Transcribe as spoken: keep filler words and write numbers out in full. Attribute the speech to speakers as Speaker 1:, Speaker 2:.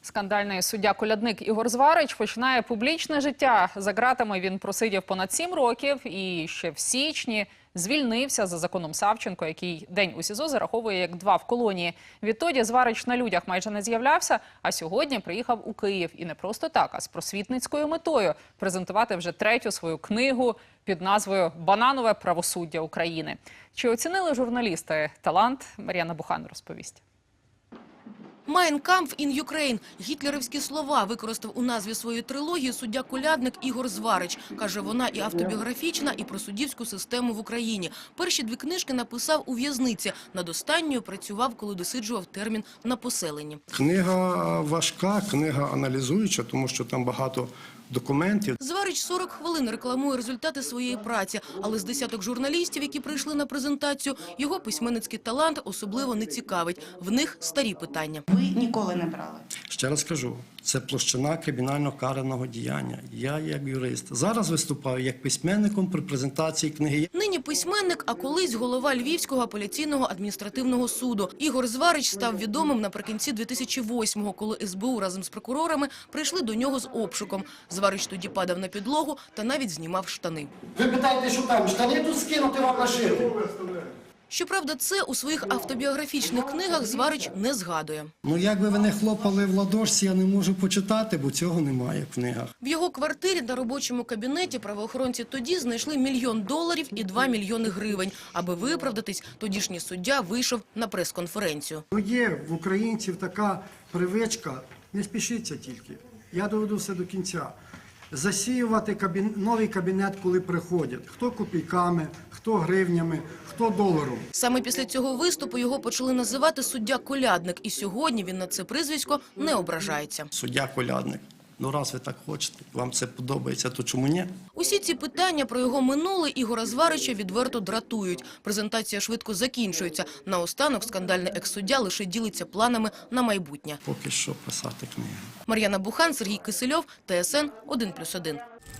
Speaker 1: Скандальний суддя Колядник Ігор Зварич починає публічне життя. За ґратами він просидів понад сім років і ще в січні звільнився за законом Савченко, який день у СІЗО зараховує як два в колонії. Відтоді Зварич на людях майже не з'являвся, а сьогодні приїхав у Київ. І не просто так, а з просвітницькою метою презентувати вже третю свою книгу під назвою «Бананове правосуддя України». Чи оцінили журналісти талант? Мар'яна Бухан розповість.
Speaker 2: «Mein Kampf in Ukraine» – гітлерівські слова використав у назві своєї трилогії суддя Колядник Ігор Зварич. Каже, вона і автобіографічна, і про суддівську систему в Україні. Перші дві книжки написав у в'язниці. Над останньою працював, коли досиджував термін на поселенні.
Speaker 3: Книга важка, книга аналізуюча, тому що там багато документів.
Speaker 2: Зварич сорок хвилин рекламує результати своєї праці, але з десяток журналістів, які прийшли на презентацію, його письменницький талант особливо не цікавить. В них старі питання.
Speaker 4: Ви ніколи не брали?
Speaker 3: Ще раз кажу, це площина кримінально-караного діяння. Я як юрист. Зараз виступаю як письменником при презентації книги.
Speaker 2: Нині письменник, а колись голова Львівського апеляційного адміністративного суду. Ігор Зварич став відомим наприкінці дві тисячі восьмого, коли ес бе у разом з прокурорами прийшли до нього з обшуком. Зварич тоді падав на підлогу та навіть знімав штани.
Speaker 5: Ви питаєте, що там, штани тут скинути вам нашити?
Speaker 2: Щоправда, це у своїх автобіографічних книгах Зварич не згадує.
Speaker 3: Ну, як би ви не хлопали в ладошці, я не можу почитати, бо цього немає в книгах.
Speaker 2: В його квартирі та робочому кабінеті правоохоронці тоді знайшли мільйон доларів і два мільйони гривень. Аби виправдатись, тодішній суддя вийшов на прес-конференцію.
Speaker 6: Ну, є в українців така привичка, не спішіться тільки, я доведу все до кінця, засіювати кабін... новий кабінет, коли приходять. Хто копійками, хто гривнями, хто доларом.
Speaker 2: Саме після цього виступу його почали називати суддя Колядник. І сьогодні він на це прізвисько не ображається.
Speaker 3: Суддя Колядник. Ну, раз ви так хочете, вам це подобається, то чому ні?
Speaker 2: Усі ці питання про його минуле Ігора Зварича відверто дратують. Презентація швидко закінчується. Наостанок скандальний екс-суддя лише ділиться планами на майбутнє.
Speaker 3: Поки що писати книгу.
Speaker 2: Мар'яна Бухан, Сергій Кисельов, Т С Н один плюс один.